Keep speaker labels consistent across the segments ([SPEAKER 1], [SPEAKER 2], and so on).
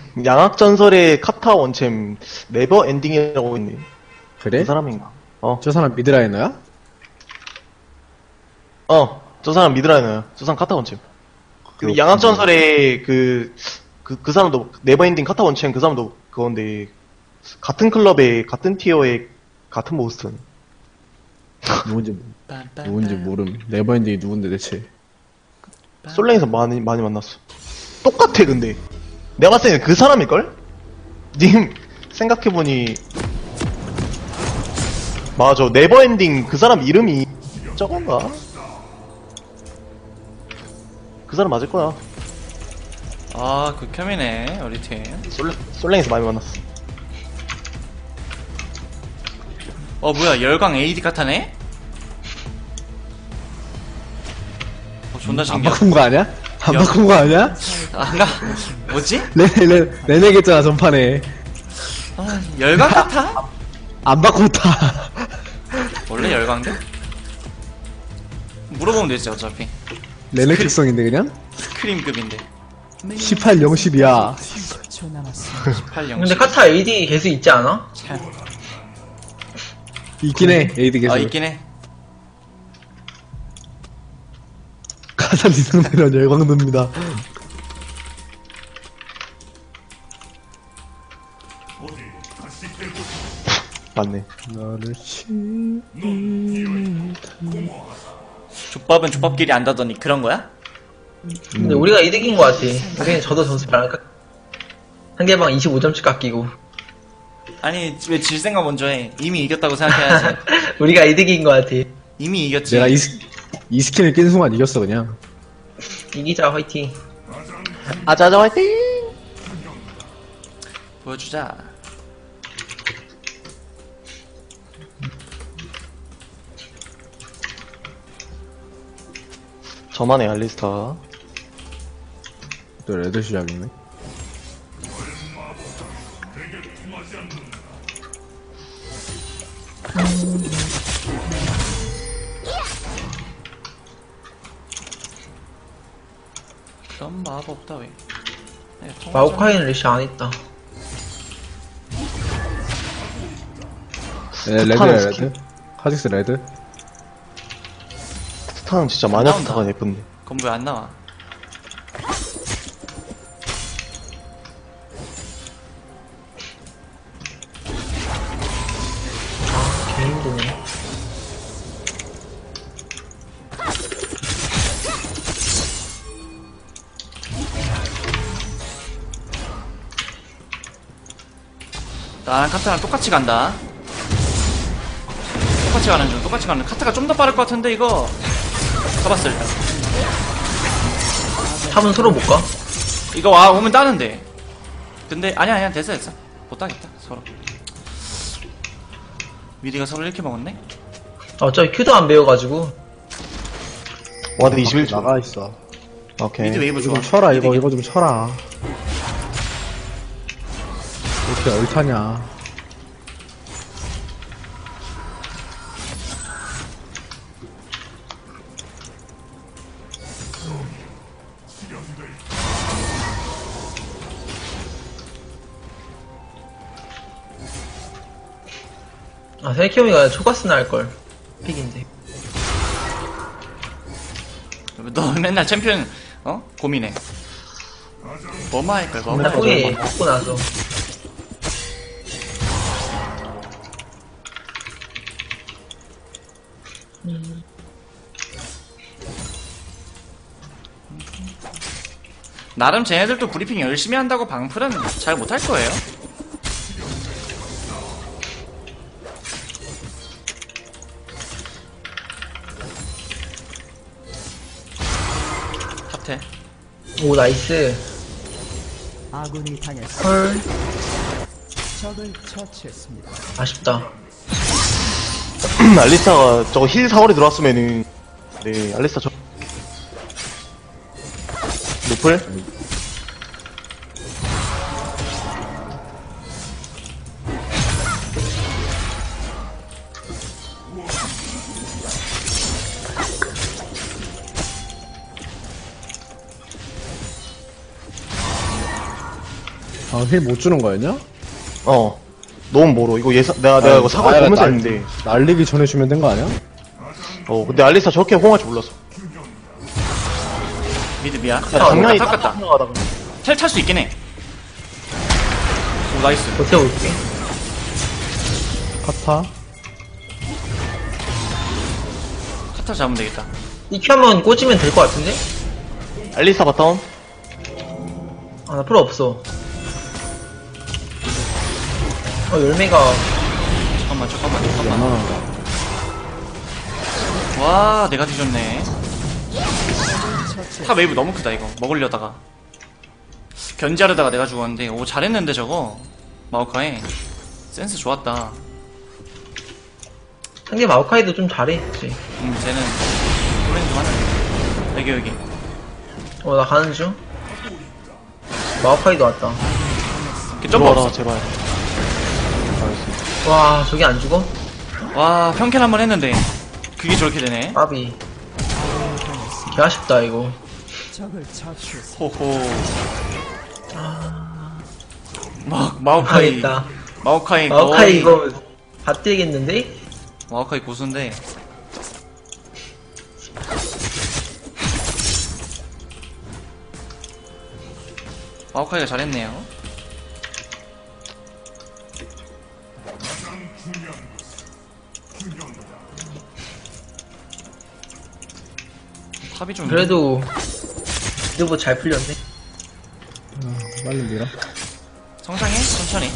[SPEAKER 1] 양악전설의 카타 원챔 네버 엔딩이라고 있네.
[SPEAKER 2] 그래?
[SPEAKER 1] 그 사람인가?
[SPEAKER 2] 저 사람 미드라이너야?
[SPEAKER 1] 저 사람 미드라이너야. 저 사람 카타 원챔. 근데 양악전설의 그 사람도 네버 엔딩 카타 원챔 그 사람도 그건데 같은 클럽에 같은 티어에 같은 모스턴.
[SPEAKER 2] 누군지 모름. 네버엔딩이 누군데 대체?
[SPEAKER 1] 솔랭에서 많이 만났어. 똑같아 근데. 내가 봤을 때는 그 사람일걸? 님 생각해보니 맞아 네버엔딩 그 사람 이름이 저건가? 그 사람 맞을 거야.
[SPEAKER 3] 아, 극혐이네, 우리 팀.
[SPEAKER 1] 솔랭에서 많이 만났어.
[SPEAKER 3] 뭐야, 열광 AD 카타네? 존나
[SPEAKER 2] 안
[SPEAKER 3] 신기하다.
[SPEAKER 2] 바꾼 거 아니야? 안 바꾼 거 아니야?
[SPEAKER 3] 안가? 뭐지?
[SPEAKER 2] 레네겠잖아 전판에.
[SPEAKER 3] 열광 카타?
[SPEAKER 2] 안 바꿨다.
[SPEAKER 3] 원래 열광데? 물어보면 되지, 어차피.
[SPEAKER 2] 레네 특성인데 그냥?
[SPEAKER 3] 스크림급인데.
[SPEAKER 2] 18, 0, 10이야.
[SPEAKER 3] 8, 0.
[SPEAKER 4] 근데 카타 AD 계속 있지 않아?
[SPEAKER 2] 있긴 해. 에이드 계속.
[SPEAKER 3] 있긴 해.
[SPEAKER 2] 가산 이상되면 열광됩니다.
[SPEAKER 1] 맞네.
[SPEAKER 2] 너를
[SPEAKER 3] 족밥은 족밥끼리 안다더니 그런 거야?
[SPEAKER 4] 근데 우리가 이득인 것 같아. 우리는 저도 점수 안 깎. 상대방 25점씩 깎이고.
[SPEAKER 3] 아니, 왜 질 생각 먼저 해? 이미 이겼다고 생각해야지.
[SPEAKER 4] 우리가 이득인 것 같아.
[SPEAKER 3] 이미 이겼지.
[SPEAKER 2] 내가 이 스킨을 낀 순간 이겼어 그냥.
[SPEAKER 4] 이기자 화이팅.
[SPEAKER 1] 아자자 화이팅!
[SPEAKER 3] 보여주자.
[SPEAKER 1] 저만의 알리스타.
[SPEAKER 2] 또 레드 시작이네.
[SPEAKER 3] 그런 마법 없다, 왜.
[SPEAKER 4] 마오카이는 레시 안 했다.
[SPEAKER 2] 레드야
[SPEAKER 1] 스킨.
[SPEAKER 2] 레드. 카직스 레드.
[SPEAKER 1] 스타는 진짜 마녀 스타가 예쁜데.
[SPEAKER 3] 그건 왜 안 나와?
[SPEAKER 4] 개 힘드네.
[SPEAKER 3] 나랑 카타랑 똑같이 간다. 똑같이 가는 중. 카타가 좀 더 빠를 것 같은데, 이거. 가봤어, 일단.
[SPEAKER 4] 탑은 서로 못 가?
[SPEAKER 3] 이거 오면 따는데. 근데, 아니야, 됐어. 못 따겠다, 서로. 미리가 서로 이렇게 먹었네?
[SPEAKER 4] 어차피 큐도 안 배워가지고.
[SPEAKER 1] 와드 21초.
[SPEAKER 2] 나가 있어.
[SPEAKER 1] 오케이.
[SPEAKER 3] 미드 웨이브
[SPEAKER 2] 이거
[SPEAKER 3] 좋아.
[SPEAKER 2] 좀 쳐라
[SPEAKER 3] 미드
[SPEAKER 2] 이거 좀 쳐라. 이렇게 얼타냐.
[SPEAKER 4] 아, 셀키오미가 초가스나 할걸. 픽인데.
[SPEAKER 3] 너 맨날 챔피언, 고민해. 뭐만 할걸, 뭐만
[SPEAKER 4] 나 포기
[SPEAKER 3] 할걸.
[SPEAKER 4] 먹고 나서.
[SPEAKER 3] 나름 쟤네들도 브리핑 열심히 한다고 방풀은 잘 못할 거예요. 탑텔.
[SPEAKER 4] 오, 나이스.
[SPEAKER 5] 아군이 당했습니다.
[SPEAKER 4] 헐.
[SPEAKER 5] 적을 처치했습니다.
[SPEAKER 4] 아쉽다.
[SPEAKER 1] 알리스타가 저거 힐 4월에 들어왔으면은 네 알리스타 저 노플?
[SPEAKER 2] 아, 힐 못 주는 거였냐?
[SPEAKER 1] 어. 너무 멀어. 이거 내가 이거 사과
[SPEAKER 2] 아야,
[SPEAKER 1] 보면서
[SPEAKER 2] 날-
[SPEAKER 1] 했는데.
[SPEAKER 2] 날리기 전에 주면 된 거 아니야?
[SPEAKER 1] 근데 알리스타 저렇게 호응할 줄 몰랐어.
[SPEAKER 3] 미드 미야.
[SPEAKER 1] 장난이
[SPEAKER 3] 닦았다. 텔 탈 수 있긴 해. 오 나이스.
[SPEAKER 4] 버텨볼게.
[SPEAKER 2] 카타?
[SPEAKER 3] 카타 잡으면 되겠다.
[SPEAKER 4] EQ 한번 꽂으면 될 것 같은데?
[SPEAKER 1] 알리스타 바텀.
[SPEAKER 4] 아, 나 필요 없어. 열매가,
[SPEAKER 3] 잠깐만.
[SPEAKER 2] 하나.
[SPEAKER 3] 와 내가 뒤졌네. 탑 웨이브 너무 크다 이거. 먹으려다가 견제하려다가 내가 죽었는데 오 잘했는데 저거 마오카이 센스 좋았다.
[SPEAKER 4] 상대 마오카이도 좀 잘해, 그치?
[SPEAKER 3] 쟤는 플레이 좀 하네. 여기
[SPEAKER 4] 나 가는 중. 마오카이도 왔다.
[SPEAKER 3] 이렇게 점프
[SPEAKER 1] 들어와라,
[SPEAKER 3] 없어.
[SPEAKER 1] 제발. 알겠어.
[SPEAKER 4] 와, 저게 안 죽어?
[SPEAKER 3] 와 평캔 한번 했는데 그게 저렇게 되네.
[SPEAKER 4] 까비. 개 아쉽다, 이거.
[SPEAKER 5] 적을 처치했습니다.
[SPEAKER 3] 호호. 마오카이
[SPEAKER 4] 망했다.
[SPEAKER 3] 마오카이
[SPEAKER 4] 마오카이
[SPEAKER 3] 거의
[SPEAKER 4] 이거, 다 뛰겠는데?
[SPEAKER 3] 마오카이 고수인데 마오카이가 잘했네요. 탑이 좀
[SPEAKER 4] 그래도, 이거 잘 풀렸네.
[SPEAKER 2] 빨리 밀어.
[SPEAKER 3] 성장해 천천히.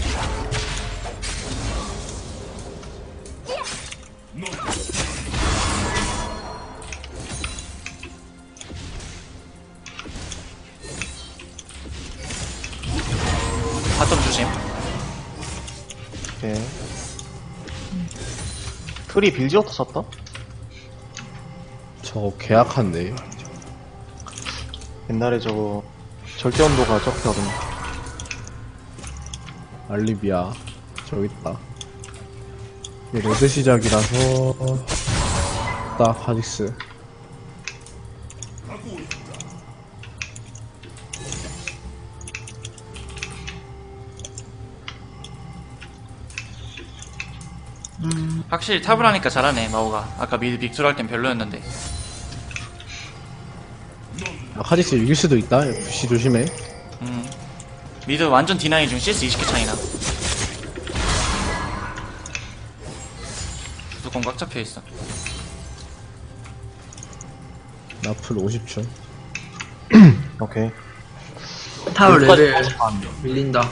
[SPEAKER 3] 바텀 조심.
[SPEAKER 1] 오케이. 트리 빌지어터 샀다?
[SPEAKER 2] 저거 계약한데.
[SPEAKER 1] 옛날에 저거 절대 온도가 저렇게 하던데.
[SPEAKER 2] 알리비아. 저기 있다. 이 레드 시작이라서. 딱, 하직스.
[SPEAKER 3] 확실히 탑을 하니까 잘하네 마오가. 아까 미드 빅투를 할 땐 별로였는데.
[SPEAKER 2] 아, 하직스 이길 수도 있다. FC 조심해.
[SPEAKER 3] 미드 완전 D9 중 CS 20개 차이나. 무조건 꽉 잡혀있어.
[SPEAKER 2] 나풀 50초.
[SPEAKER 1] 오케이.
[SPEAKER 4] 타워 레벨 밀린다.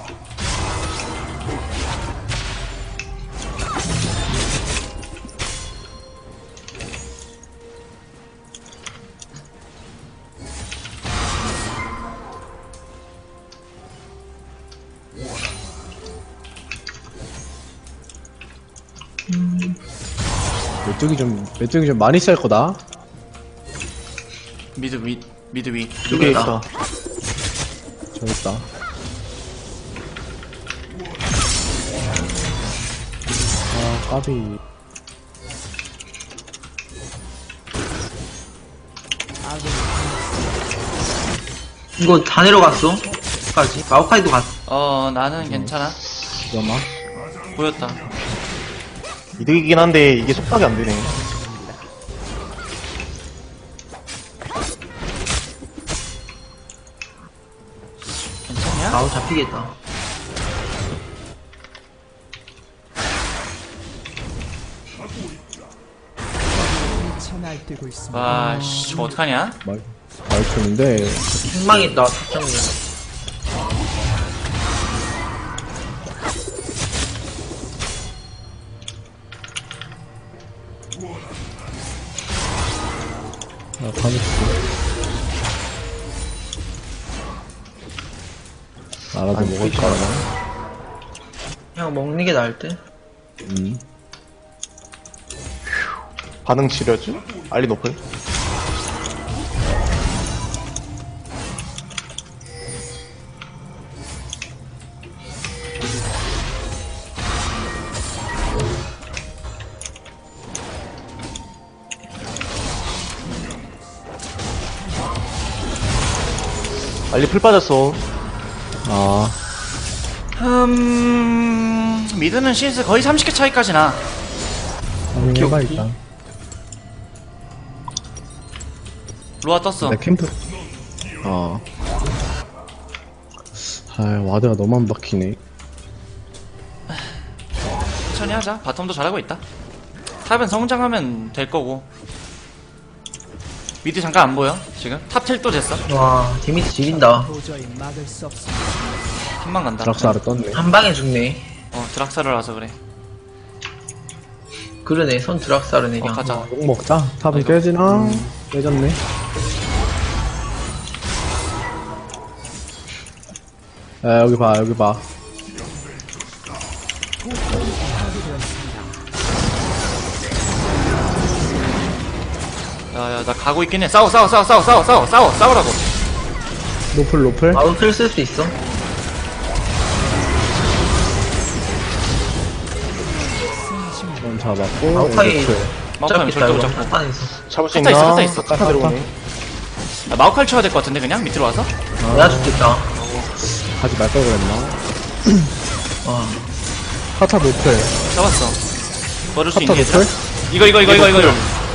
[SPEAKER 2] 메뚜기 좀 많이 쌀 거다.
[SPEAKER 3] 미드 위.
[SPEAKER 1] 이게 있다.
[SPEAKER 2] 저기 있다. 아, 까비.
[SPEAKER 4] 이거 다 내려갔어? 까지 마오카이도 갔어.
[SPEAKER 3] 나는 괜찮아.
[SPEAKER 2] 잠깐만.
[SPEAKER 3] 보였다.
[SPEAKER 1] 이득이긴 한데 이게 속박이 안 되네.
[SPEAKER 3] 괜찮냐?
[SPEAKER 4] 마오 잡히겠다.
[SPEAKER 5] 미쳐 날뛰고 있습니다.
[SPEAKER 3] 와, 씨, 저거 어떡하냐?
[SPEAKER 2] 말투인데.
[SPEAKER 4] 행망했다, 탑정이.
[SPEAKER 2] 아, 하직스. 알아서
[SPEAKER 1] 아니,
[SPEAKER 2] 먹을
[SPEAKER 1] 피자.
[SPEAKER 2] 거라.
[SPEAKER 4] 그냥 먹는 게 나을 듯.
[SPEAKER 1] 반응 치료죠? 알리 노플. 알리 풀 빠졌어.
[SPEAKER 2] 아,
[SPEAKER 3] 미드는 CS 거의 30개 차이까지 나.
[SPEAKER 2] 해봐 일단.
[SPEAKER 3] 로아 떴어.
[SPEAKER 2] 내 캠프. 아. 아, 와드가 너무 안 박히네.
[SPEAKER 3] 천천히 하자. 바텀도 잘하고 있다. 탑은 성장하면 될 거고. 미드 잠깐 안 보여 지금. 탑 텔도 됐어.
[SPEAKER 4] 와, 데미지 지린다.
[SPEAKER 5] 도저히 막을 수 없습니다.
[SPEAKER 3] 한방 간다.
[SPEAKER 2] 드락사를 떴네.
[SPEAKER 4] 한 방에 죽네.
[SPEAKER 3] 드락사를 와서 그래.
[SPEAKER 4] 그러네, 손 드락사르네, 그냥.
[SPEAKER 3] 가자.
[SPEAKER 2] 욕 먹자. 탑은
[SPEAKER 3] 아이고.
[SPEAKER 2] 깨지나? 깨졌네. 야, 여기 봐, 여기 봐.
[SPEAKER 3] 야야 나 가고 있긴 해. 싸우라고.
[SPEAKER 2] 노플.
[SPEAKER 4] 바로 틀 쓸 수 있어.
[SPEAKER 2] 전 잡았고.
[SPEAKER 4] 마오카이
[SPEAKER 2] 노플.
[SPEAKER 3] 마우카이 절대 못 잡고.
[SPEAKER 4] 한판에서.
[SPEAKER 1] 잡을 수
[SPEAKER 3] 카타
[SPEAKER 1] 있나?
[SPEAKER 3] 있어, 카타 있어.
[SPEAKER 1] 카타 들어오네.
[SPEAKER 3] 마우카이 쳐야 될 것 같은데 그냥 밑으로 와서.
[SPEAKER 4] 내가 죽겠다.
[SPEAKER 2] 하지 말걸 그랬나?
[SPEAKER 4] 와.
[SPEAKER 2] 카타 노플.
[SPEAKER 3] 잡았어. 버릴 수
[SPEAKER 2] 카타
[SPEAKER 3] 있니 얘들아?
[SPEAKER 2] 노플?
[SPEAKER 3] 이거.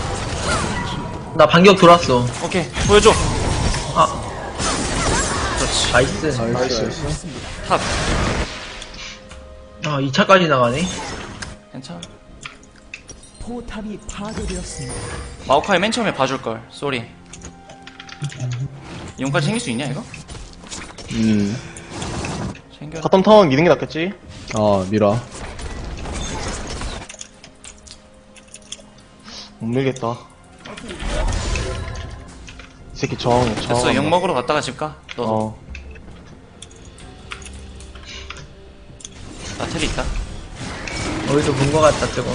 [SPEAKER 4] 나 반격 돌았어.
[SPEAKER 3] 오케이 보여줘.
[SPEAKER 4] 아.
[SPEAKER 3] 그렇지.
[SPEAKER 4] 나이스.
[SPEAKER 2] 나이스.
[SPEAKER 3] 탑.
[SPEAKER 4] 아, 2차까지 나가네.
[SPEAKER 3] 괜찮아.
[SPEAKER 5] 포탑이 파괴되었습니다.
[SPEAKER 3] 마우카이 맨 처음에 봐줄 걸. 쏘리. 이용까지 챙길 수 있냐 이거? 챙겨.
[SPEAKER 1] 바텀 타운 미는 게 낫겠지?
[SPEAKER 2] 밀어.
[SPEAKER 1] 못 밀겠다. 이 새끼 정.
[SPEAKER 3] 됐어. 욕 먹으러 갔다가 집 가. 너도. 나 텔이 있다.
[SPEAKER 4] 어디서 본 거 같다, 저거.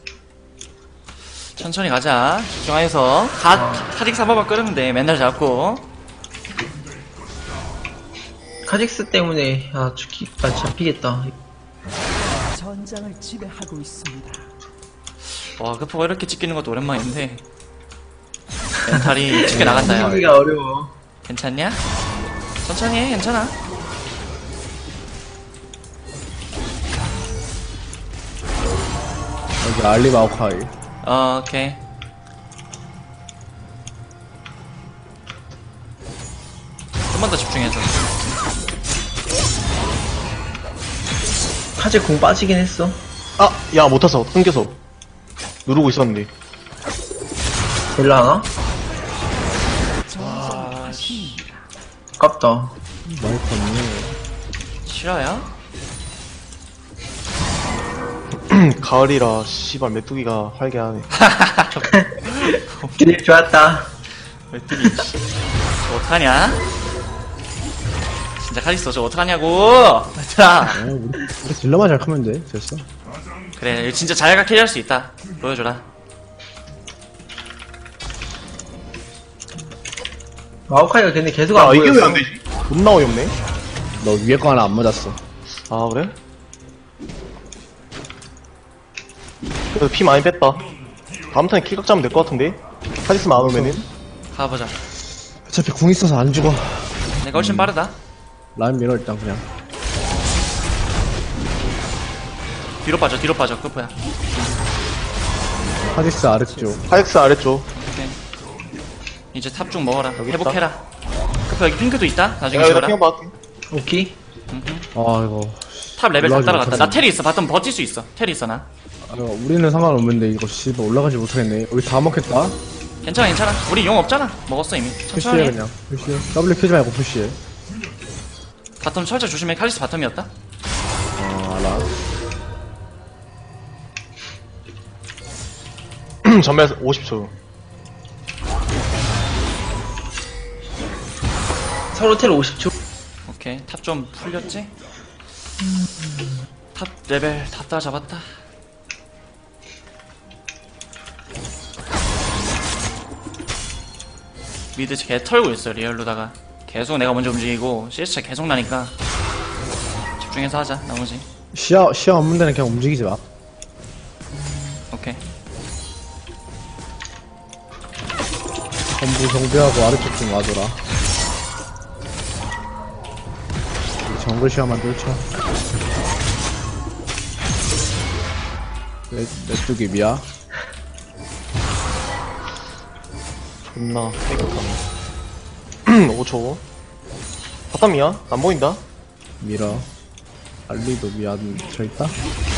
[SPEAKER 3] 천천히 가자. 집중해서 카직 사바바 끓으면 돼. 맨날 잡고.
[SPEAKER 4] 카직스 때문에, 잡히겠다.
[SPEAKER 5] 전장을 지배하고 있습니다.
[SPEAKER 3] 와 급포가 이렇게 찍히는 것도 오랜만인데 멘탈이 찍게 나간다 야.
[SPEAKER 4] 하기가 어려워.
[SPEAKER 3] 괜찮냐? 천천히 해. 괜찮아.
[SPEAKER 2] 여기 알리 마오카이.
[SPEAKER 3] 오케이. 좀만 더 집중해서.
[SPEAKER 4] 카직 공 빠지긴 했어.
[SPEAKER 1] 아, 야, 못 탔어. 끊겨서. 누르고 있었는데.
[SPEAKER 4] 될라 하나?
[SPEAKER 3] 아, 씨.
[SPEAKER 4] 아깝다.
[SPEAKER 2] 많이 컸네.
[SPEAKER 3] 실화야?
[SPEAKER 1] 가을이라, 씨발, 메뚜기가 활개하네.
[SPEAKER 4] 드립 좋았다.
[SPEAKER 3] 메뚜기. 저 어떡하냐? 진짜 카리스터 저 어떡하냐고! 얘들아!
[SPEAKER 2] 우리 딜러만 잘 크면 돼. 됐어.
[SPEAKER 3] 그래, 이거 진짜 자기가 캐리할 수 있다. 보여줘라.
[SPEAKER 4] 마오카이가 근데 계속
[SPEAKER 1] 야,
[SPEAKER 4] 안
[SPEAKER 1] 이게 왜
[SPEAKER 4] 보였어.
[SPEAKER 1] 안 되지? 존나 어이없네.
[SPEAKER 2] 너 위에 거 하나 안 맞았어.
[SPEAKER 1] 아, 그래? 그래도 피 많이 뺐다. 다음 턴에 킬각 잡으면 될 것 같은데? 카리스마 안 오면은?
[SPEAKER 3] 가보자.
[SPEAKER 2] 어차피 궁 있어서 안 죽어.
[SPEAKER 3] 내가 훨씬 빠르다.
[SPEAKER 2] 라인 밀어 일단 그냥.
[SPEAKER 3] 뒤로 빠져, 크프야.
[SPEAKER 2] 하디스 아래쪽.
[SPEAKER 1] 하이엑스 아래쪽.
[SPEAKER 3] 오케이. 이제 탑 중 먹어라.
[SPEAKER 1] 여기
[SPEAKER 3] 회복해라. 크프 여기 핑크도 있다. 나중에
[SPEAKER 1] 내가 여기다
[SPEAKER 3] 지워라.
[SPEAKER 1] 핑 받을게.
[SPEAKER 4] 오케이.
[SPEAKER 2] 아 이거.
[SPEAKER 3] 탑 레벨 다
[SPEAKER 2] 올라가지
[SPEAKER 3] 따라갔다. 나
[SPEAKER 2] 못하네.
[SPEAKER 3] 텔이 있어. 바텀 버틸 수 있어. 텔이 있어, 나.
[SPEAKER 2] 우리는 상관없는데 이거 씨발 올라가지 못하겠네. 우리 다 먹겠다.
[SPEAKER 3] 괜찮아. 우리 용 없잖아. 먹었어, 이미. 천천히
[SPEAKER 2] 푸시해
[SPEAKER 3] 해.
[SPEAKER 2] 그냥. 푸시해. W 켜지 말고 푸시해.
[SPEAKER 3] 바텀 철저 조심해. 칼리스 바텀이었다.
[SPEAKER 2] 알아.
[SPEAKER 1] 전멸 50초.
[SPEAKER 4] 서로 텔 50초.
[SPEAKER 3] 오케이. 탑 좀 풀렸지? 탑 레벨 다 따잡았다. 미드 개 털고 있어, 리얼로다가. 계속 내가 먼저 움직이고, CS 계속 나니까. 집중해서 하자, 나머지.
[SPEAKER 2] 시야 없는 데는 그냥 움직이지 마.
[SPEAKER 3] 오케이.
[SPEAKER 2] 전부 정비하고 아래쪽 좀 와줘라. 정글 시야만 뚫쳐. 내 쪽이 미야.
[SPEAKER 1] 존나 깨끗하네. 5초. 바텀이야? 안 보인다?
[SPEAKER 2] 밀어. 알리도 미안 저있다.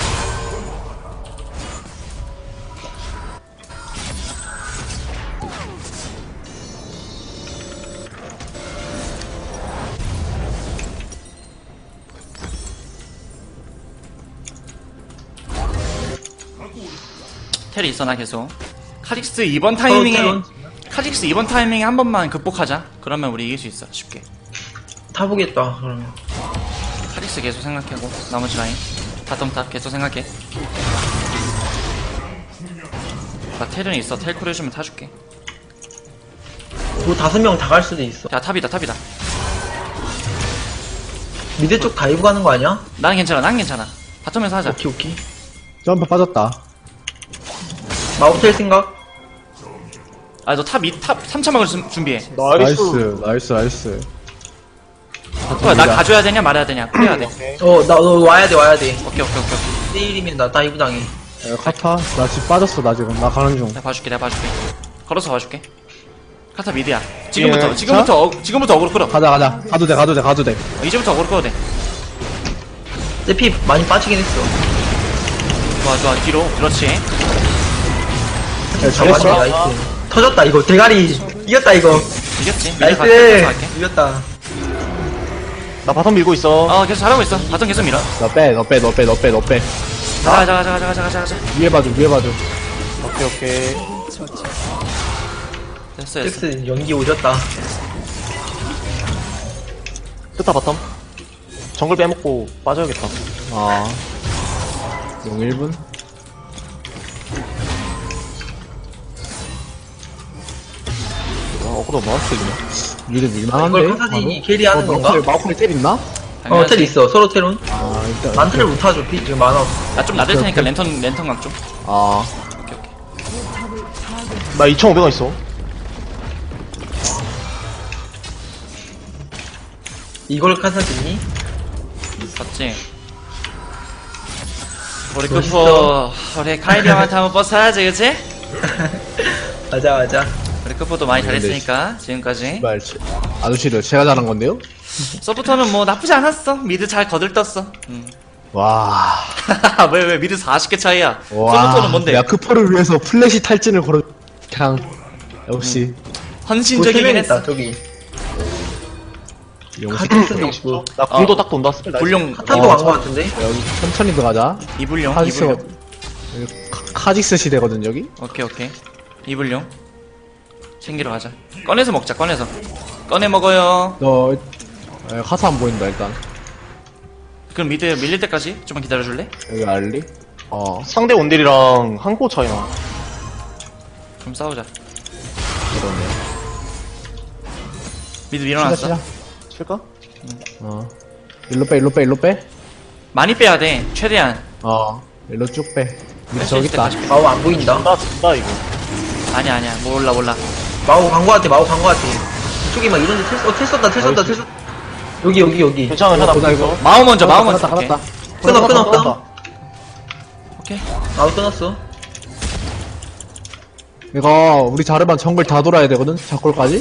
[SPEAKER 3] 텔이 있어 나 계속. 카직스 이번 타이밍에 카직스 이번 타이밍에 한 번만 극복하자. 그러면 우리 이길 수 있어 쉽게.
[SPEAKER 4] 타보겠다, 그러면.
[SPEAKER 3] 카직스 계속 생각하고 나머지 라인 바텀 탑 계속 생각해. 나 텔은 있어. 텔콜 해주면 타줄게.
[SPEAKER 4] 뭐 5명 다 갈 수도 있어.
[SPEAKER 3] 야 탑이다 탑이다.
[SPEAKER 4] 미드 쪽 다이브 가는 거 아니야?
[SPEAKER 3] 나는 괜찮아 난 괜찮아. 바텀에서 하자.
[SPEAKER 4] 오케이, 오케이.
[SPEAKER 2] 점프 빠졌다.
[SPEAKER 4] 마우텔 생각?
[SPEAKER 3] 아 너 탑 3차 막을 준비해.
[SPEAKER 2] 나이스.
[SPEAKER 3] 뭐야 나 가져야 되냐 말아야 되냐 그래야 돼.
[SPEAKER 4] 너 와야 돼.
[SPEAKER 3] 오케이.
[SPEAKER 4] 1대1이면 나 다이브 당해.
[SPEAKER 2] 야, 카타 나 집 빠졌어. 나 지금 나 가는 중.
[SPEAKER 3] 내가 봐줄게. 걸어서 봐줄게. 카타 미드야.
[SPEAKER 2] 예,
[SPEAKER 3] 지금부터 어그로 끌어.
[SPEAKER 2] 가자. 가도 돼.
[SPEAKER 3] 이제부터 어그로 끌어도 돼.
[SPEAKER 4] 피 많이 빠지긴 했어.
[SPEAKER 3] 좋아 뒤로. 그렇지.
[SPEAKER 2] 야,
[SPEAKER 4] 잡았네,
[SPEAKER 2] 잘했어.
[SPEAKER 4] 나이스. 터졌다, 이거. 대가리. 이겼다, 이거.
[SPEAKER 3] 이겼지. 미드
[SPEAKER 4] 나이스.
[SPEAKER 3] 갈게.
[SPEAKER 4] 이겼다.
[SPEAKER 1] 나 바텀 밀고 있어.
[SPEAKER 3] 계속 잘하고 있어. 바텀 계속 밀어.
[SPEAKER 2] 너 빼.
[SPEAKER 3] 가자.
[SPEAKER 2] 위에 봐줘.
[SPEAKER 1] 오케이.
[SPEAKER 3] 됐어.
[SPEAKER 4] 잭스 연기 오졌다.
[SPEAKER 1] 스타 바텀. 정글 빼먹고 빠져야겠다.
[SPEAKER 2] 용 1분.
[SPEAKER 1] 어그로 마우스 이네.
[SPEAKER 2] 미드 밀만한데.
[SPEAKER 4] 이걸 카사딘이 캐리하는 건가?
[SPEAKER 2] 마우클 텔 있나?
[SPEAKER 4] 텔 있어. 서로 텔은.
[SPEAKER 2] 일단.
[SPEAKER 4] 난 텔을 못 타줘. 피 지금 많아.
[SPEAKER 3] 나좀 나댈 테니까 랜턴 각 좀. 오케이.
[SPEAKER 1] 나 2,500원 있어.
[SPEAKER 4] 이걸 카사딘이?
[SPEAKER 3] 봤지? 우리
[SPEAKER 4] 멋있어.
[SPEAKER 3] 우리 카이리 형한테 한번 버스 하지, 그치?
[SPEAKER 4] 맞아.
[SPEAKER 3] 우리 크포도 많이 잘했으니까, 지금까지.
[SPEAKER 2] 씨발, 아저씨들 제가 잘한 건데요?
[SPEAKER 3] 서포터는 뭐 나쁘지 않았어. 미드 잘 거들떴어.
[SPEAKER 2] 와.
[SPEAKER 3] 왜 미드 40개 차이야?
[SPEAKER 2] 와.
[SPEAKER 3] 서포터는 뭔데?
[SPEAKER 2] 야크포를 위해서 플래시 탈진을 걸어. 그냥 역시
[SPEAKER 3] 헌신적이긴 했어.
[SPEAKER 4] 있다, 저기.
[SPEAKER 2] 용식.
[SPEAKER 4] 카직스도 있고.
[SPEAKER 1] 나 궁도 딱 돈다. 스펠 나이스.
[SPEAKER 3] 불용,
[SPEAKER 4] 카타도 간거 같은데?
[SPEAKER 2] 여기 천천히 들어가자.
[SPEAKER 3] 이불용,
[SPEAKER 2] 카직스
[SPEAKER 3] 이불용.
[SPEAKER 2] 카직스 시대거든 여기.
[SPEAKER 3] 오케이. 이불용. 챙기러 가자. 꺼내서 먹자, 꺼내 먹어요.
[SPEAKER 2] 너 카사 안 보인다 일단.
[SPEAKER 3] 그럼 미드 밀릴 때까지 좀만 기다려줄래?
[SPEAKER 2] 여기 알리.
[SPEAKER 1] 상대 원딜이랑 한코 차이나.
[SPEAKER 3] 그럼 싸우자.
[SPEAKER 2] 그러네.
[SPEAKER 3] 미드 밀어놨어.
[SPEAKER 1] 칠까?
[SPEAKER 2] 일로 빼.
[SPEAKER 3] 많이 빼야 돼, 최대한.
[SPEAKER 2] 일로 쭉 빼. 밑에
[SPEAKER 3] 뺄수
[SPEAKER 2] 저기
[SPEAKER 3] 있을
[SPEAKER 2] 있다.
[SPEAKER 3] 때까지 빼.
[SPEAKER 4] 마우 안 보인다.
[SPEAKER 1] 나 이거.
[SPEAKER 3] 아니야, 몰라.
[SPEAKER 4] 마우 간 거 같아. 이쪽에 막 이런데 텔 썼다. 여기.
[SPEAKER 1] 괜찮아, 하나
[SPEAKER 2] 보다, 이거.
[SPEAKER 1] 이거.
[SPEAKER 3] 마우 먼저.
[SPEAKER 2] 갔다.
[SPEAKER 3] 오케이.
[SPEAKER 4] 끊어.
[SPEAKER 3] 오케이.
[SPEAKER 4] 마우 끊었어.
[SPEAKER 2] 이거 우리 자르반 정글 다 돌아야 되거든. 작골까지.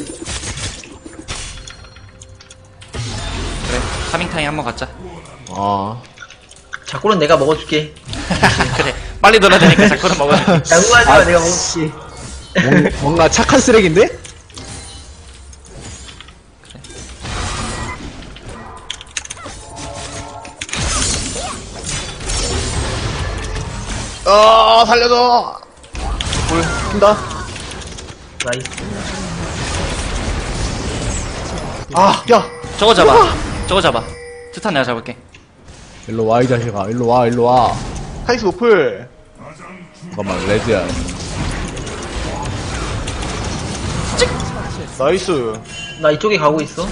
[SPEAKER 3] 그래. 카밍타임 한번 갖자.
[SPEAKER 4] 자꾸는 내가 먹어줄게.
[SPEAKER 3] 그래. 빨리 돌아야 되니까 자꾸는 먹어줄게.
[SPEAKER 4] 양보하지 마, 내가 먹어줄게.
[SPEAKER 2] 뭔가 착한 쓰레기인데?
[SPEAKER 1] 살려줘! 불, 킨다.
[SPEAKER 4] 나이스.
[SPEAKER 1] 야!
[SPEAKER 3] 저거 잡아. 트탄 내가 잡을게.
[SPEAKER 2] 일로 와 이 자식아. 일로 와.
[SPEAKER 1] 카이스 노플.
[SPEAKER 2] 잠깐만 레드야.
[SPEAKER 1] 나이스.
[SPEAKER 4] 나 이쪽에 가고 있어.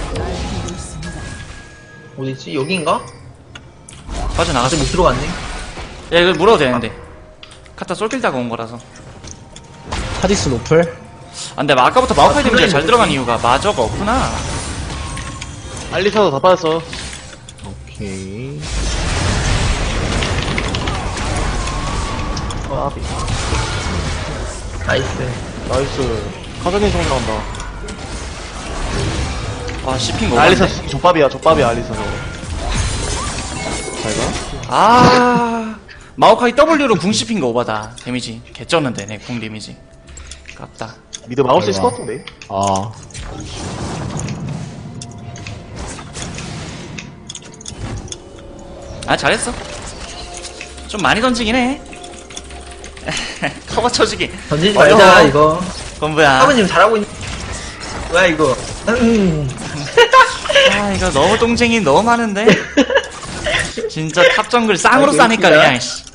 [SPEAKER 4] 어디있지? 여긴가?
[SPEAKER 3] 빠져나가자.
[SPEAKER 4] 아직 못 들어갔네.
[SPEAKER 3] 야, 이거 물어도 되는데. 카타 쏠길다가 온 거라서.
[SPEAKER 2] 카직스 노플.
[SPEAKER 3] 근데 아까부터 마우카이 데미지가
[SPEAKER 4] 플레이
[SPEAKER 3] 잘 들어간 이유가 마저가 없구나.
[SPEAKER 1] 알리사도 다 빠졌어.
[SPEAKER 2] 오케이.
[SPEAKER 1] 까비.
[SPEAKER 4] 나이스.
[SPEAKER 1] 나이스. 카자딘 성 나온다.
[SPEAKER 3] 와 씹힌 거
[SPEAKER 1] 알리사
[SPEAKER 3] 없네.
[SPEAKER 1] 족밥이야, 족밥이야, 알리사 저거. 잘 가?
[SPEAKER 3] 아 마오카이 W로 궁 씹힌 거 오바다. 데미지 개쩌는데 내 궁 데미지 깝다.
[SPEAKER 1] 미드 막을 수 있을 것
[SPEAKER 2] 잘 가.
[SPEAKER 1] 같은데.
[SPEAKER 2] 아.
[SPEAKER 3] 아 잘했어. 좀 많이 던지긴 해. 커버 쳐주기.
[SPEAKER 4] 던지지
[SPEAKER 3] 어려워.
[SPEAKER 4] 말자, 이거.
[SPEAKER 3] 건부야.
[SPEAKER 4] 사부님 잘하고 있는. 뭐야, 이거.
[SPEAKER 3] 아 이거 너무 똥쟁이 너무 많은데. 진짜 탑 정글 쌍으로
[SPEAKER 4] 아,
[SPEAKER 3] 싸니까
[SPEAKER 4] 웃기다.
[SPEAKER 3] 그냥 씨.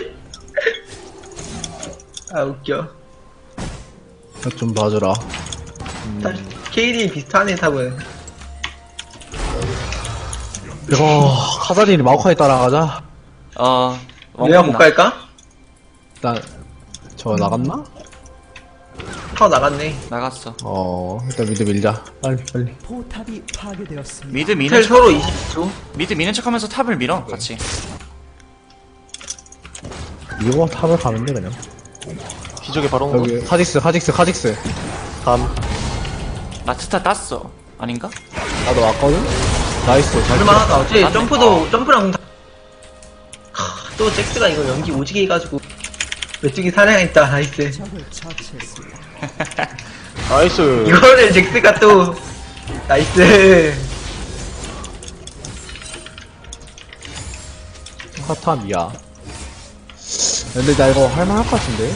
[SPEAKER 4] 아, 웃겨.
[SPEAKER 2] 좀 봐주라.
[SPEAKER 4] KD 비슷하네, 탑은.
[SPEAKER 2] 이거, 카자딘이 마오카이 따라가자.
[SPEAKER 4] 내가 못 갈까?
[SPEAKER 2] 일단, 저 나갔나?
[SPEAKER 4] 타워 나갔네.
[SPEAKER 3] 나갔어.
[SPEAKER 2] 일단 미드 밀자. 빨리.
[SPEAKER 5] 포탑이 파괴되었습니다.
[SPEAKER 3] 미드 미는
[SPEAKER 4] 텔
[SPEAKER 3] 척
[SPEAKER 4] 서로 20초.
[SPEAKER 3] 미드 미는 척하면서 탑을 밀어 같이.
[SPEAKER 2] 이거 탑을 가면 돼, 그냥.
[SPEAKER 1] 기적의 바로 온 거.
[SPEAKER 2] 여기, 카직스.
[SPEAKER 1] 감.
[SPEAKER 3] 마트타 땄어. 아닌가?
[SPEAKER 2] 나도 왔거든? 나이스. 잘
[SPEAKER 4] 얼마나 어째
[SPEAKER 3] 맞네.
[SPEAKER 4] 점프랑 또 잭스가 이거 연기 오지게 해가지고 메뚜기 사냥했다. 나이스.
[SPEAKER 5] 적을 처치했습니다.
[SPEAKER 1] 나이스.
[SPEAKER 4] 이거를 잭스가 또 나이스.
[SPEAKER 2] 카타미야. 근데 나 이거 할만할 것 같은데?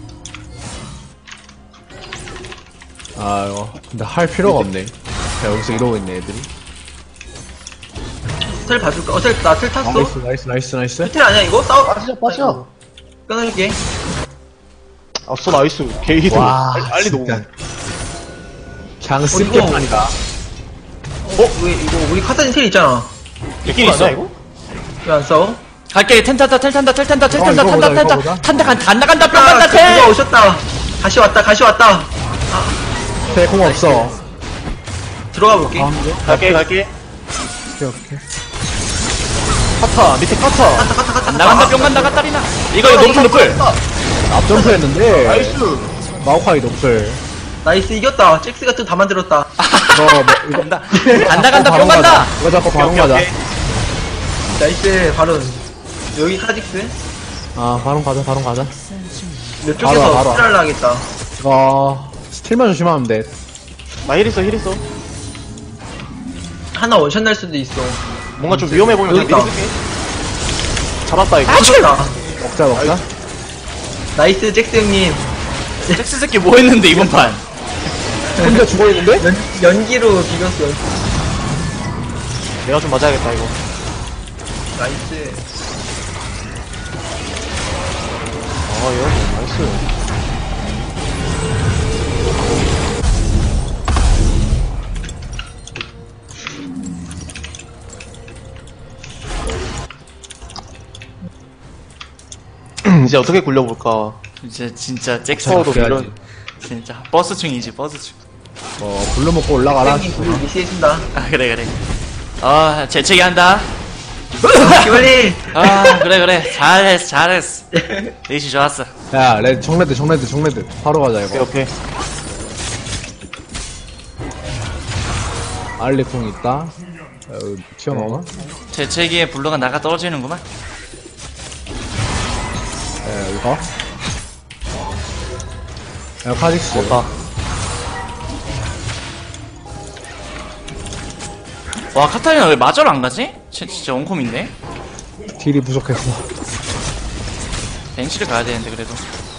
[SPEAKER 2] 아, 이거. 근데 할 필요가 없네. 자, 여기서 이러고 있네, 애들이.
[SPEAKER 4] 텔 봐줄까? 나텔 탔어.
[SPEAKER 2] 나이스.
[SPEAKER 4] 텔 아니야 이거? 싸워.
[SPEAKER 1] 빠져.
[SPEAKER 4] 끊을게.
[SPEAKER 1] 아싸, 나이스. 게이드.
[SPEAKER 2] 와,
[SPEAKER 1] 빨리
[SPEAKER 2] 진짜.
[SPEAKER 1] 녹음.
[SPEAKER 2] 그냥
[SPEAKER 4] 이거-
[SPEAKER 2] 쓸게판이다.
[SPEAKER 4] 왜 이거 우리 카타딘 텔 있잖아.
[SPEAKER 1] 있긴 있어, 이거?
[SPEAKER 4] 왜 안 싸워?
[SPEAKER 3] 갈게. 텔 탄다.
[SPEAKER 2] 이거 보자, 이거 보자.
[SPEAKER 3] 탄다 간다 뿅
[SPEAKER 4] 아,
[SPEAKER 3] 간다
[SPEAKER 4] 누가
[SPEAKER 3] 텔.
[SPEAKER 4] 오셨다. 가시 왔다.
[SPEAKER 2] 대공 없어.
[SPEAKER 4] 들어가 볼게.
[SPEAKER 2] 가운데?
[SPEAKER 1] 갈게.
[SPEAKER 2] 오케이.
[SPEAKER 1] 카타, 밑에 카타.
[SPEAKER 3] 나간다 뿅 간다 까따리나. 이거 노플.
[SPEAKER 2] 앞점프 했는데.
[SPEAKER 1] 나이스.
[SPEAKER 2] 마오카이 노플.
[SPEAKER 4] 나이스 이겼다. 잭스가 또 다 만들었다.
[SPEAKER 2] 이거
[SPEAKER 3] 간다 뿅 간다.
[SPEAKER 2] 이거 잡고 바로
[SPEAKER 1] 오케이,
[SPEAKER 2] 가자.
[SPEAKER 1] 오케이.
[SPEAKER 4] 나이스 바로 여기 카직스.
[SPEAKER 2] 아, 바로 가자.
[SPEAKER 4] 몇
[SPEAKER 2] 바로
[SPEAKER 4] 쪽에서
[SPEAKER 2] 와.
[SPEAKER 4] 스틸 하겠다.
[SPEAKER 2] 스틸만 조심하면 돼.
[SPEAKER 1] 나 힐 있어.
[SPEAKER 4] 하나 원샷 날 수도 있어.
[SPEAKER 1] 뭔가 좀 위험해 보이면
[SPEAKER 4] 여기
[SPEAKER 1] 그냥 미리
[SPEAKER 4] 있다.
[SPEAKER 1] 쓸게. 잡았다, 이거.
[SPEAKER 4] 죽었다.
[SPEAKER 2] 먹자.
[SPEAKER 4] 나이스 잭스 형님.
[SPEAKER 3] 잭스 새끼 뭐 했는데 이번 판.
[SPEAKER 2] 혼자 죽어있는데?
[SPEAKER 4] 연기로 비겼어.
[SPEAKER 1] 내가 좀 맞아야겠다, 이거.
[SPEAKER 4] 나이스.
[SPEAKER 1] 이거 나이스. 이제 어떻게 굴려볼까?
[SPEAKER 3] 진짜 잭스
[SPEAKER 1] 파워도
[SPEAKER 2] 그래야지.
[SPEAKER 1] 밀어.
[SPEAKER 3] 진짜 버스충이지 버스충.
[SPEAKER 2] 불러 먹고 올라가라.
[SPEAKER 4] 형님 우리 미시해준다.
[SPEAKER 3] 아 그래. 아 재채기 한다.
[SPEAKER 4] 기발리.
[SPEAKER 3] 아 그래 잘했어. 레이시 좋았어.
[SPEAKER 2] 야, 정레드. 바로 가자, 이거.
[SPEAKER 1] 오케이.
[SPEAKER 2] 알리쿵 있다. 여기 튀어나오나?
[SPEAKER 3] 재채기에 블루가 나가 떨어지는구만.
[SPEAKER 2] 이거. 야, 카직스.
[SPEAKER 1] 없다.
[SPEAKER 3] 와 카타리나 왜 마저를 안 가지? 진짜 원콤인데.
[SPEAKER 2] 딜이 부족했어.
[SPEAKER 3] 벤치를 가야 되는데 그래도.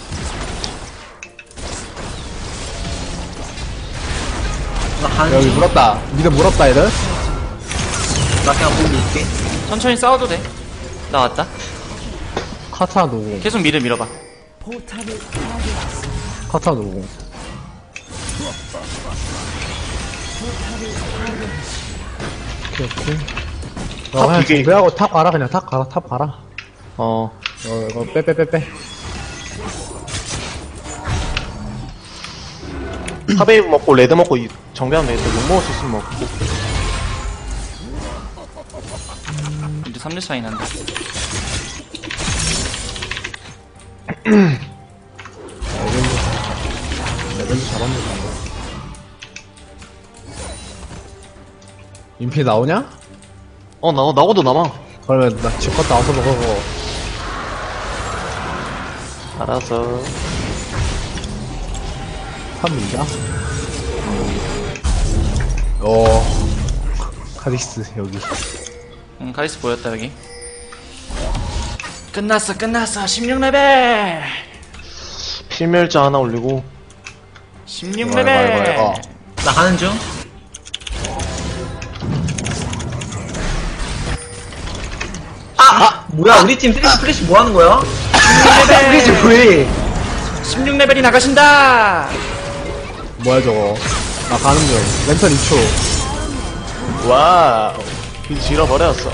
[SPEAKER 4] 나 가는
[SPEAKER 2] 여기
[SPEAKER 4] 중.
[SPEAKER 2] 물었다. 미드 물었다, 얘들.
[SPEAKER 4] 나 그냥 보고 있을게.
[SPEAKER 3] 천천히 싸워도 돼. 나 왔다.
[SPEAKER 2] 카타 노공.
[SPEAKER 3] 계속 밀어봐.
[SPEAKER 5] 포탑을 파괴했습니다.
[SPEAKER 2] 카타 노공. 오케이.
[SPEAKER 1] 탑
[SPEAKER 2] 그냥
[SPEAKER 1] 두 개.
[SPEAKER 2] 준비하고 탑 가라, 그냥 탑 가라. 이거 빼.
[SPEAKER 1] 탑웨이브 먹고 레드 먹고 정비하면 돼. 욕 먹을 수 있으면 먹고.
[SPEAKER 3] 이제 3대 차이 난다.
[SPEAKER 2] 레벨도 잡았네. 인피 나오냐?
[SPEAKER 1] 나오도 남아.
[SPEAKER 2] 그러면 나 집껏 나와서 먹어.
[SPEAKER 1] 알았어.
[SPEAKER 2] 탑인가? 카디스 여기.
[SPEAKER 3] 카리스 보였다 여기. 끝났어 16레벨.
[SPEAKER 1] 필멸자 하나 올리고.
[SPEAKER 3] 16레벨.
[SPEAKER 4] 나 가는 중. 뭐야, 우리 팀 플래시 뭐 하는 거야? 플래시 왜?
[SPEAKER 3] 16레벨이 나가신다.
[SPEAKER 2] 뭐야 저거? 나 가는 중. 랜턴 2초.
[SPEAKER 1] 와우. 길 질어버렸어.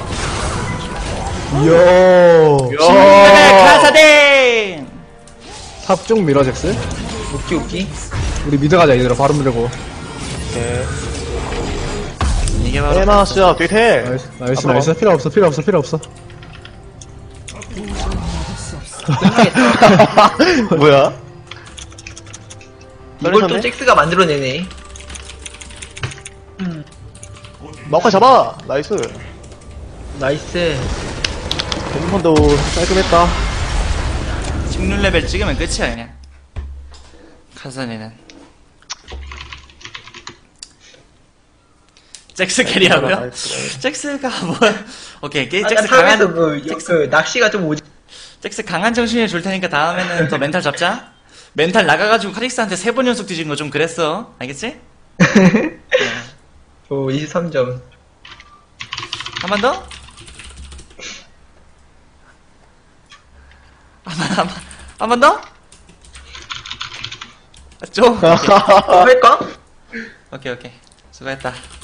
[SPEAKER 2] 이야.
[SPEAKER 3] 16레벨 카사딘.
[SPEAKER 2] 탑쭉 밀어 잭스.
[SPEAKER 4] 웃기.
[SPEAKER 2] 우리 미드 가자 얘들아. 바로 밀고.
[SPEAKER 1] 오케이.
[SPEAKER 3] 이게 바로
[SPEAKER 1] 에마스야, 뒤태.
[SPEAKER 2] 나이스. 필요 없어.
[SPEAKER 1] 뭐야?
[SPEAKER 4] 이걸 또
[SPEAKER 1] 떨어졌네?
[SPEAKER 4] 잭스가 만들어내네.
[SPEAKER 1] 마오카이 잡아! 나이스.
[SPEAKER 4] 나이스.
[SPEAKER 1] 핸드폰도 깔끔했다.
[SPEAKER 3] 16레벨 찍으면 끝이야 그냥. 카사딘은 잭스 캐리하고요? 잭스가 뭐야? 오케이, 잭스
[SPEAKER 4] 탑에서
[SPEAKER 3] 강한
[SPEAKER 4] 그 낚시가 좀 오지.
[SPEAKER 3] 잭스 강한 정신을 줄 테니까 다음에는 더 멘탈 잡자. 멘탈 나가가지고 카릭스한테 3번 연속 뒤진 거 좀 그랬어. 알겠지?
[SPEAKER 4] 23점.
[SPEAKER 3] 한 번 더? 한 번 더? 좀?
[SPEAKER 4] 할까?
[SPEAKER 3] 오케이. 수고했다.